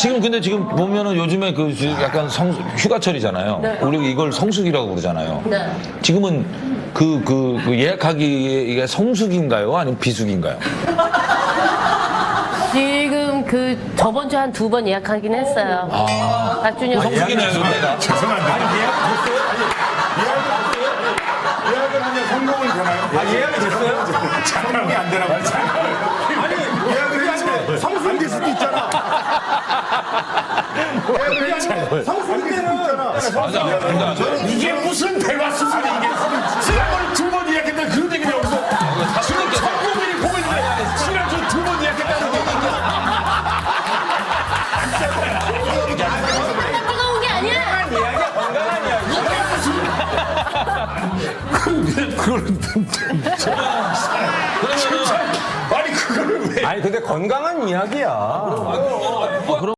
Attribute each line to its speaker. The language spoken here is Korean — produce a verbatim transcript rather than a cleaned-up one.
Speaker 1: 지금 근데 지금 보면은 요즘에 그 약간 성 휴가철이잖아요.
Speaker 2: 네.
Speaker 1: 우리 이걸 성수기라고 그러잖아요.
Speaker 2: 네.
Speaker 1: 지금은 그, 그, 그 예약하기 이게 성수기인가요? 아니면 비수기인가요?
Speaker 2: 지금 그 저번 주에 한 두 번 예약하긴 했어요.
Speaker 1: 아,
Speaker 2: 박 주년
Speaker 1: 성수기네요, 이때가.
Speaker 3: 죄송한데. 아니, 예약 됐어요? 아니, 예약을, 예약을 하면 성공을 되나요? 아, 예약이 됐어요? 작동이 안 되나 봐요. 아니, 예약을 했는데 성수기 될 수도 있잖아. 예약을 했는데 성수기 때는
Speaker 1: 맞아. 그러니까
Speaker 3: 이게 무슨 대화 수준이 이게 지난번에 두 번 예약했는데 그런 얘기는 여기서 지금 성공이 보고 있는데 지난주 두 번 예약했다는
Speaker 2: 뜨거운 게 아니야.
Speaker 3: 그걸 아니 그거를 왜
Speaker 4: 아니 근데 건강한 이야기야.
Speaker 1: 아, 그럼